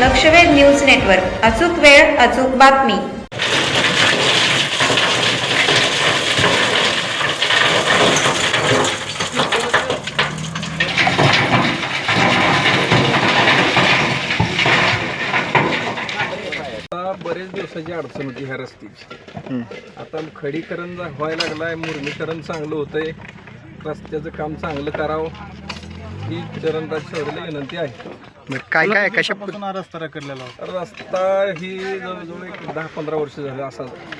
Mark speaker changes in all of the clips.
Speaker 1: लक्षवेध news network. अचूक वेळ, अचूक बातमी.
Speaker 2: बरेच दिवसाची अडचण होती ह्या रस्त्याची. आता खडीकरण व्हायला लागलाय, मुरमीकरण चांगलं होतंय, रस्त्याचं काम चांगलं करावं ही चरणराज चौधरीला विनंती आहे.
Speaker 3: काय काय कशापासून हा रस्ता रखडलेला होता?
Speaker 2: रस्ता ही जवळजवळ एक 10-15 वर्ष झाले असा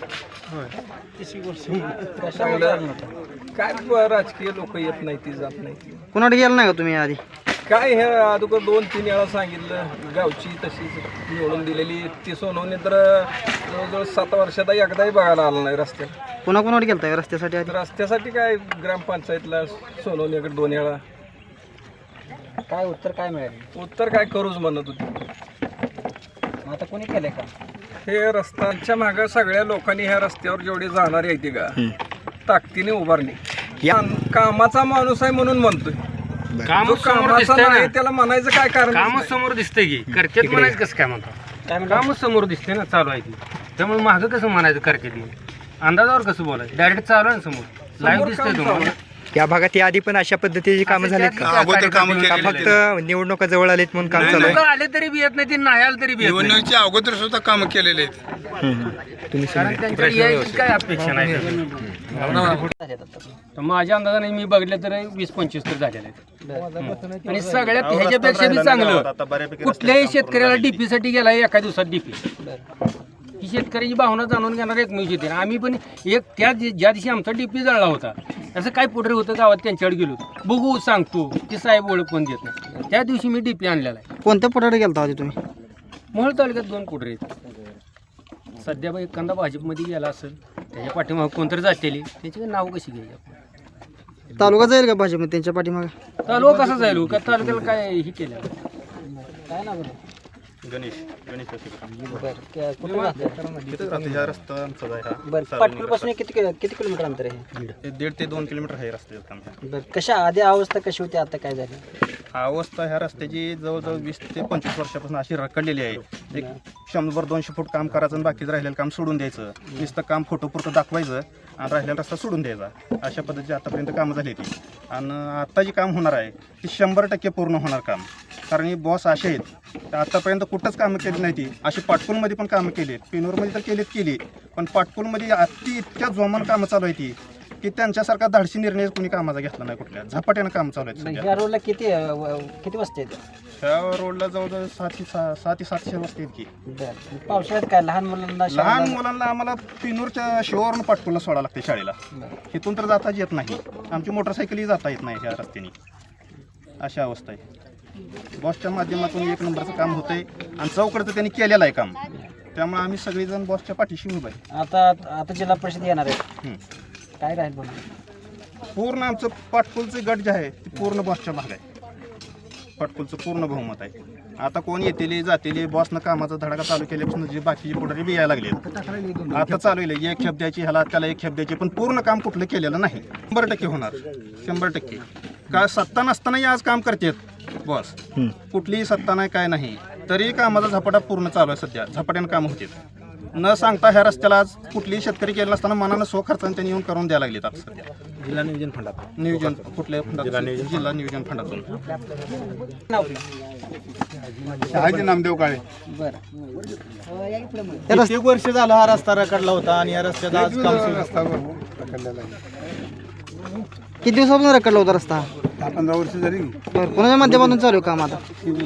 Speaker 2: चांगलं काय राजकीय लोक येत नाही ती जात नाही.
Speaker 3: कुणाकडे गेला नाही का तुम्ही आधी?
Speaker 2: काय हे अगोदर 2-3 वेळा सांगितलं, गावची तशीच निवडून दिलेली ती सोनवणे तर जवळजवळ 7 वर्षात एकदाही बघायला आला नाही रस्त्यात.
Speaker 3: कोणाकोणाकडे गेलता का रस्त्यासाठी आधी?
Speaker 2: रस्त्यासाठी काय ग्रामपंचायतला सोनवणेकडे 2 वेळा.
Speaker 3: काय उत्तर काय मिळाले?
Speaker 2: उत्तर काय करूच म्हणत होती.
Speaker 3: आता कोणी केलंय का
Speaker 2: हे रस्त्यांच्या मागं सगळ्या लोकांनी ह्या रस्त्यावर जेवढी जाणारी आहे ती का ताकदीने उभारली. कामाचा माणूस आहे म्हणून म्हणतोय.
Speaker 4: काम समोर
Speaker 2: कामाचा
Speaker 4: दिसतंय
Speaker 2: नाही
Speaker 4: ना,
Speaker 2: त्याला म्हणायचं काय कारण?
Speaker 4: काम समोर दिसतंय की करकेत म्हणायचं कसं काय म्हणतो? काम समोर दिसतंय ना, चालू आहे ती. त्यामुळे मागं कसं म्हणायचं करकेत? अंदाजावर कसं बोलायचं? डायरेक्ट चालू आहे ना समोर, लाईव्ह दिसतंय तुम्हाला.
Speaker 3: या भागात या आधी पण अशा पद्धतीची कामं झालीत का?
Speaker 4: अगोदर कामं
Speaker 3: का फक्त निवडणुका जवळ आलीत म्हणून काम चालू आहे?
Speaker 4: आले तरी बी येत नाही, ते नाही आले तरी बी येत नाही.
Speaker 5: निवडणुकीच्या अगोदर सुद्धा कामं केलेले आहेत.
Speaker 3: तुम्ही
Speaker 4: कारण त्यांच्या यायची काय अपेक्षा नाही. तर माझ्या अंदाजाने मी बघितलं तर 20-25 तर झालेले आहेत. आणि सगळ्यात ह्याच्यापेक्षा बी चांगलं, कुठल्याही शेतकऱ्याला डीपी साठी गेला एका दिवसात डीपी. ही शेतकऱ्याची भावना जाणून घेणार एकमेव शेती. आम्ही पण एक ज्या दिवशी आमचा डीपी जळला होता, असं काय पुढे होतं गावात, त्यांच्याकडे गेलो बघू सांगतो की साहेब ओळख पण देत नाही. त्या दिवशी मी डीपी आणलेला आहे.
Speaker 3: कोणत्या पुढाकडे गेलता आधी तुम्ही?
Speaker 4: मोहोळ तालुक्यात 2 पुढे आहेत. सध्या बा एखादा भाजपमध्ये गेला असेल, त्याच्या पाठीमागं कोणतरी जातेली, त्याची नाव कशी घ्यायची?
Speaker 3: तालुका जाईल का भाजपमध्ये त्यांच्या पाठीमागे?
Speaker 4: तालुका कसा जाईल का? तालुक्याला काय हे केलं? काय नाव?
Speaker 5: गणेश गणेश
Speaker 3: पाटकुलपासून किती किलोमीटर अंतर आहे?
Speaker 5: 1.5 ते 2 किलोमीटर आहे रस्त्याचं काम.
Speaker 3: बरं, कशा आधी अवस्था कशी होती, आता काय झाली?
Speaker 5: अवस्था ह्या रस्त्याची जवळजवळ 20 ते 25 वर्षापासून अशी रखडलेली आहे. एक 100-200 फूट काम करायचं आणि बाकीचं राहिलेलं काम सोडून द्यायचं. नुसतं काम फोटोपुरतं दाखवायचं आणि राहिलेला रस्ता सोडून द्यायचा. अशा पद्धतीची आतापर्यंत कामं झाली ती. आणि आता जी काम होणार आहे ती 100% पूर्ण होणार काम. कारण ही बॉस असे आहेत, आतापर्यंत कुठंच कामं केली नाही ती. अशी पाटकुलमध्ये पण कामं केली, पेनूरमध्ये तर केली, पण पाटकुलमध्ये इतक्या जोमानं कामं चालू आहे ती की त्यांच्यासारखा धाडसी निर्णय कोणी कामाचा घेतला नाही. कुठल्या झपाट्यानं कामं चालू आहेत.
Speaker 3: या रोडला किती वाजता येते?
Speaker 5: ह्या रोडला जवळजवळ 700-750 वाजता आहेत की.
Speaker 3: पावसाळ्यात काय लहान
Speaker 5: मुलांना आम्हाला पिनूरच्या शिवावरून पाटकुलला सोडावं लागते शाळेला. इथून तर जाताच येत नाही. आमची मोटरसायकलही जाता येत नाही ह्या रस्त्याने. अशी अवस्था आहे. बॉसच्या माध्यमातून 1 नंबरचं काम होतंय आणि चौकडचं त्यांनी केलेलं आहे काम. त्यामुळे आम्ही सगळेजण बॉसच्या पाठीशी उभं आहे.
Speaker 3: आता जिल्हा परिषद येणार आहे, काय राहील म्हणून?
Speaker 5: पूर्ण आमचं पाटकुलचं गट जे आहे ते पूर्ण बॉसच्या भाग आहे. पाटकुलचं पूर्ण बहुमत आहे. आता कोण येतेली जातेली, बॉसनं कामाचा धडाका चालू केल्यापासून जे बाकीचे पुढारी बी यायला लागले. आता चालू आहे 1 खेप द्यायची, ह्याला त्याला 1 खेप द्यायची, पण पूर्ण काम कुठलं केलेलं नाही. 100% होणार, 100%. काय सत्ता नसतानाही आज काम करतात बॉस. कुठलीही सत्ता नाही, काय नाही, तरी कामाचा झपाटा पूर्ण चालू आहे. सध्या झपाट्यानं काम होते. न सांगता ह्या रस्त्याला आज कुठलीही शेतकरी केलं नसताना मनानं खर्चाने त्यांनी येऊन करून द्यायला लागलेत. आता सध्या
Speaker 2: जिल्हा नियोजन फंडात
Speaker 5: नियोजन कुठल्या फंडात? जिल्हा नियोजन फंडातून. नामदेव काळे.
Speaker 3: किती वर्ष झालं हा रस्ता रखडला होता आणि या रस्त्याचा आज काम
Speaker 5: रखडलेला आहे.
Speaker 3: किती दिवसापासून रखडला होता रस्ता?
Speaker 5: 15 वर्ष झाली.
Speaker 3: कोणाच्या माध्यमातून चालू आहे काम आता?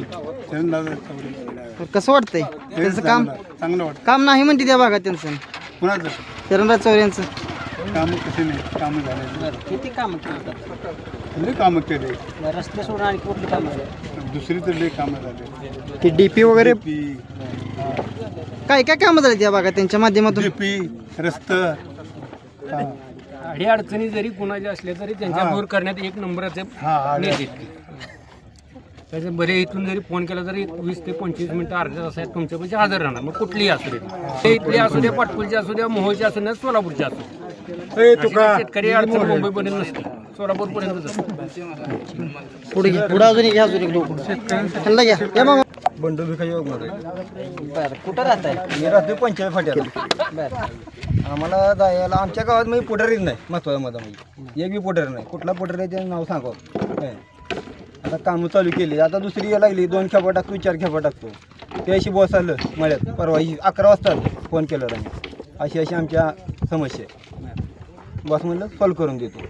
Speaker 3: कसं वाटतंय त्यांचं काम?
Speaker 5: चांगलं वाटतं.
Speaker 3: काम नाही म्हणते त्या भागात त्यांचं.
Speaker 5: कुणाचं
Speaker 3: चरणराज चौधरी यांचं
Speaker 5: काम कसे नाही, कामं झाले.
Speaker 3: किती काम केलं?
Speaker 5: कामं केले.
Speaker 3: रस्ते सोडून आणि कुठली कामं?
Speaker 5: दुसरी तर लई कामं झाले.
Speaker 3: ते डीपी वगैरे काय काय कामं झाली त्या भागात त्यांच्या माध्यमातून?
Speaker 5: डीपी, रस्ता,
Speaker 4: अडी अडचणी जरी कुणाच्या असल्या तरी त्यांच्या दूर करण्यात 1 नंबराचे नेते. त्याचे बरे इथून जरी फोन केला तरी 20 ते 25 मिनिटं अर्ध्या तासात तुमच्यापाशी हजर राहणार. मग कुठलीही असू दे, ते इथले असू द्या, पाटकुलचे असू द्या, मोहोळचे असू द्या, सोलापूरचे असू द्या. शेतकरी अडचण मुंबईपर्यंत नसते, सोलापूरपर्यंत
Speaker 3: पुढे घ्या, पुढे अजून एक लोक घ्या.
Speaker 6: बंडू भिकाजी वाघमारे.
Speaker 3: बरं कुठं राहताय?
Speaker 6: मी राहतो 45 फाट्याला.
Speaker 3: बरं
Speaker 6: आम्हाला जायला आमच्या गावात म्हणजे पुढारीच नाही महत्वाचं मध्ये म्हणजे एक बी पुढारी नाही. कुठला पुढारी आहे त्याचं नाव सांगावं काय. आता कामं चालू केली, आता दुसरी यायला लागली, 2 खेपा टाकतो 4 खेपा टाकतो. त्याशी बॉस आलं मळ्यात परवा 11 वाजता फोन केला आम्ही, अशी आमच्या समस्या आहे. बॉस म्हणलं सॉल्व करून देतो.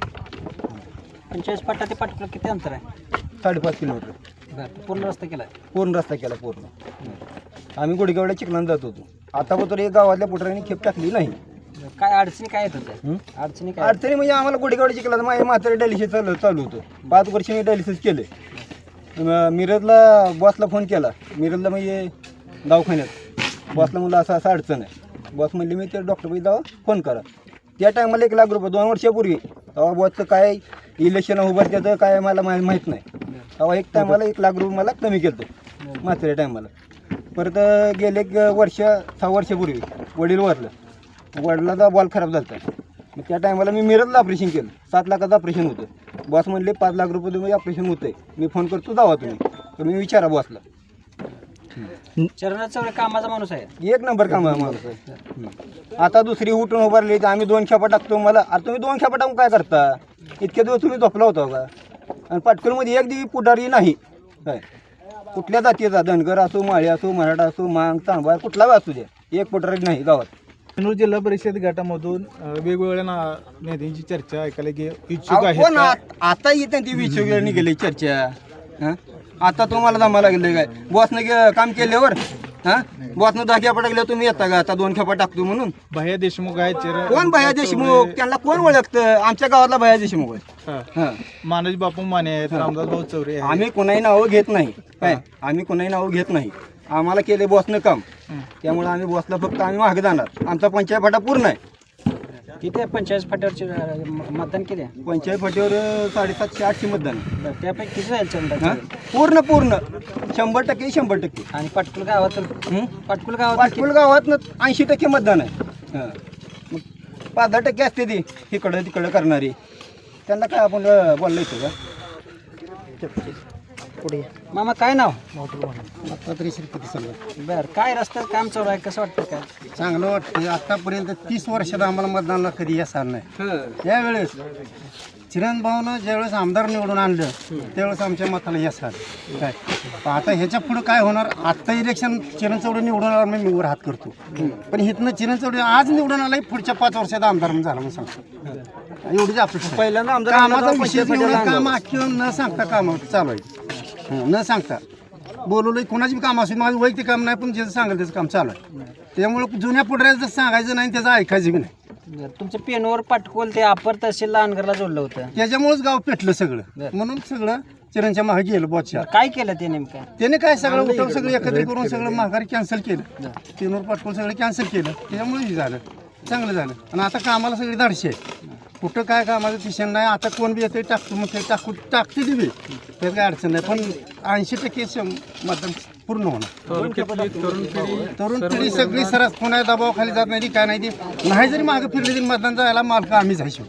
Speaker 3: 45 फाटा ते पाटकुला किती अंतर आहे?
Speaker 6: 5.5 किलोमीटर
Speaker 3: बरं पूर्ण रस्ता केला
Speaker 6: पूर्ण रस्ता केला पूर्ण. आम्ही गुडगावड्या चिखलान जात होतो. आतापर्यंत एक गावातल्या पुढाऱ्यांनी खेप टाकली नाही.
Speaker 3: काय अडचणी काय येत होत्या? अडचणी काय?
Speaker 6: अडचणी म्हणजे आम्हाला गुडगावड्या चिखलात माझ्या म्हातारे डायलिसिस चालू होतं. 5 वर्ष मी डायलिसिस केले. मिरजला बॉसला फोन केला, मिरजला म्हणजे दवाखान्यात. बॉसला म्हणलं असं असं अडचण आहे. बॉस म्हणले मी ते डॉक्टरपाशी जावा फोन करा. त्या टायमाला 1 लाख रुपये 2 वर्षापूर्वी तेव्हा बॉसचं काय इलेक्शन उभं त्याचं काय मला माहीत नाही. तेव्हा एक टायमाला 1 लाख रुपये मला कमी केलं म्हाताऱ्या टायमाला. परत गेले 6 वर्षापूर्वी वडील वारलं. वडिलाचा बॉल खराब झाला होता. मग त्या टायमाला मी मिरजला ऑपरेशन केलं. 7 लाखाचं ऑपरेशन होतं. बॉस म्हणले 5 लाख रुपये तुम्ही ऑपरेशन होतं आहे, मी फोन करतो जावा तुम्ही विचारा बॉसला.
Speaker 3: चरणात सगळं कामाचा माणूस आहे.
Speaker 6: 1 नंबर काम आहे माणूस आहे. आता दुसरी उठून उभारली तर आम्ही 2 खेपा टाकतो. मला आता तुम्ही 2 खेपा टाकून काय करता? इतके दिवस तुम्ही झोपला होता का? आणि पाटकुलमध्ये एक दिवशी पुढारी नाही काय. कुठल्या जातीचा धनगर असो, माळी असो, मराठा असो, मांग चांभार कुठला असू द्या, एक पुढारी नाही गावात.
Speaker 7: कन्नूर जिल्हा परिषद गटामधून वेगवेगळ्या नेत्यांची चर्चा ऐकायला इच्छुक
Speaker 6: अहो,
Speaker 7: आहेत
Speaker 6: कोण
Speaker 7: का?
Speaker 6: आता येते ती वेळ निघाली चर्चा. हां आता तुम्हाला जमा लागले काय? बॉसनं काम केल्यावर बॉसनं 10 खेपा टाकल्यावर तुम्ही येता का आता 2 खेपा टाकतो म्हणून?
Speaker 7: भैया देशमुख आहेत
Speaker 6: कोण भैया देशमुख? त्यांना कोण ओळखतं? आमच्या गावातला भैया देशमुख आहे. हां
Speaker 7: मानोज बापू माने आहेत, रामदास भाऊ चौरे आहेत.
Speaker 6: आम्ही कोणाही नावं घेत नाही काय. आम्ही कोणाही नावं घेत नाही. आम्हाला केले बॉसनं काम, त्यामुळे आम्ही बॉसला फक्त आम्ही मागे जाणार. आमचा 45 फाटा पूर्ण आहे.
Speaker 3: किती आहे 45 फाट्यावरचे मतदान किती आहे?
Speaker 6: 45 फाटीवर 750-800 मतदान आहे.
Speaker 3: बरं त्यापैकी किती जाईल चरणात?
Speaker 6: पूर्ण 100% 100%.
Speaker 3: आणि पाटकुल गावातून पाटकुल गावात
Speaker 6: पाटकुल गावात 80% मतदान आहे. हां मग 5-10% असते ती इकडं तिकडं करणारी. त्यांना काय आपण बोललं येतं का?
Speaker 3: पुढे मामा काय नाव?
Speaker 6: चांगलं
Speaker 3: बरं काय रस्त्यात काम चालू आहे, कसं वाटतं काय?
Speaker 6: वाटतं. आतापर्यंत 30 वर्षात आम्हाला मतदानाला कधी यश आलं नाही. त्यावेळेस चिरण भाऊनं ज्यावेळेस आमदार निवडून आणलं त्यावेळेस आमच्या मताला यश आलं काय. आता ह्याच्या पुढं काय होणार? आत्ता इलेक्शन चिरण चौडे निवडून आला मी वर हात करतो, पण इथनं चिरण चौडे आज निवडून आला पुढच्या 5 वर्षात आमदार झाला म्हणून सांगतो. एवढीच अपेक्षा. पहिल्यांदा आमदार कामाचा विषय काम आखून न सांगता काम चालू आहे. न सांगता बोलवलं कोणाची बी काम असेल, माझं वैयक्तिक काम नाही, पण ज्याचं सांगेल त्याचं काम चालू आहे. त्यामुळे जुन्या पुढऱ्याचं सांगायचं नाही, त्याचं ऐकायचं बी नाही.
Speaker 3: तुमच्या पेनवर पाटकुल ते अपर तहसीलला अनगरला जोडलं होतं,
Speaker 6: त्याच्यामुळेच गाव पेटलं सगळं. म्हणून सगळं चिरणच्या मागे गेलं बॉसच्या.
Speaker 3: काय केलं ते नेमकं?
Speaker 6: त्याने काय सगळं उठव सगळं एकत्रित करून सगळं माघारी कॅन्सल केलं. पेनवर पाटकुल सगळं कॅन्सल केलं. त्याच्यामुळे झालं चांगलं झालं. आणि आता कामाला सगळी धाडशी आहे. कुठं काय कामाचं टिशन नाही. आता कोण बी येते टाकतो मग ते टाकते ती बी, त्यात काय अडचण नाही. पण 80% मतदान पूर्ण होणार. तरुण पिढी सगळी सरस कोणा दबावाखाली जात नाही, काय नाही. ती नाही जरी मागे फिरली तरी मतदान जायला मालक आम्ही जायचो.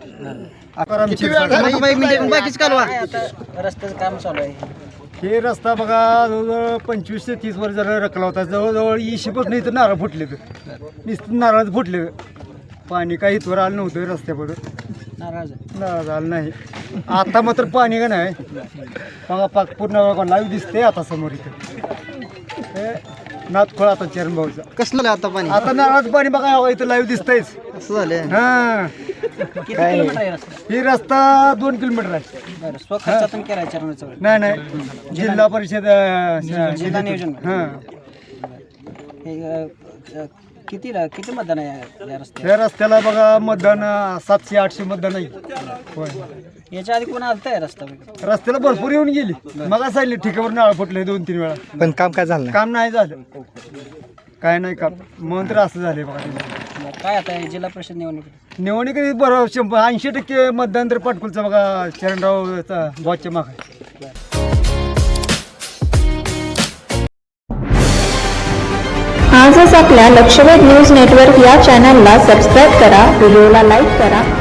Speaker 3: रस्त्याचं काम चालू आहे.
Speaker 6: हे रस्ता बघा जवळजवळ 25 ते 30 वर्ष जरा रखला होता. जवळजवळ 20 नाही तर नारळ फुटले तर नुसतं नारळ फुटले. पाणी काही इथवर आलं नव्हतं रस्त्यापर्यंत. नारळ आलं नाही. आता मात्र पाणी का नाही बघा पाक पूर्ण लाईव्ह दिसते आता समोर इथं. नाथखोळ आता चरण भाऊचा
Speaker 3: कसलं आता पाणी?
Speaker 6: आता नारळाचं पाणी बघा इथं लाईव्ह दिसतंयच.
Speaker 3: असं झालं.
Speaker 6: हां
Speaker 3: किती किलोमीटर आहे रस्ता?
Speaker 6: ही रस्ता 2 किलोमीटर आहे.
Speaker 3: बरं स्वखर्चातून केलाय चरणाचं?
Speaker 6: नाही जिल्हा परिषद
Speaker 3: जिल्हा नियोजन.
Speaker 6: हां
Speaker 3: किती मतदान आहे या रस्त्यात?
Speaker 6: या रस्त्याला बघा मतदान 700-800 मतदान आहे. होय
Speaker 3: याच्या आधी कोण आलत आहे रस्ता?
Speaker 6: रस्त्याला भरपूर येऊन गेली. मग सांगितले ठिकावर नाळ फुटले 2-3 वेळा,
Speaker 7: पण काम काय झालं?
Speaker 6: काम नाही झालं. काय नाही काम म्हणून तर असं झाले बघा.
Speaker 3: काय आता जिल्हा परिषद
Speaker 6: निवडणुकीत बरोबर 80% मतदान तर पाटकुलचं बघा चरणरावचा बॉसच्या मागे.
Speaker 8: आजच आपल्या लक्षवेध न्यूज नेटवर्क या चॅनलला सबस्क्राईब करा, व्हिडिओला लाईक करा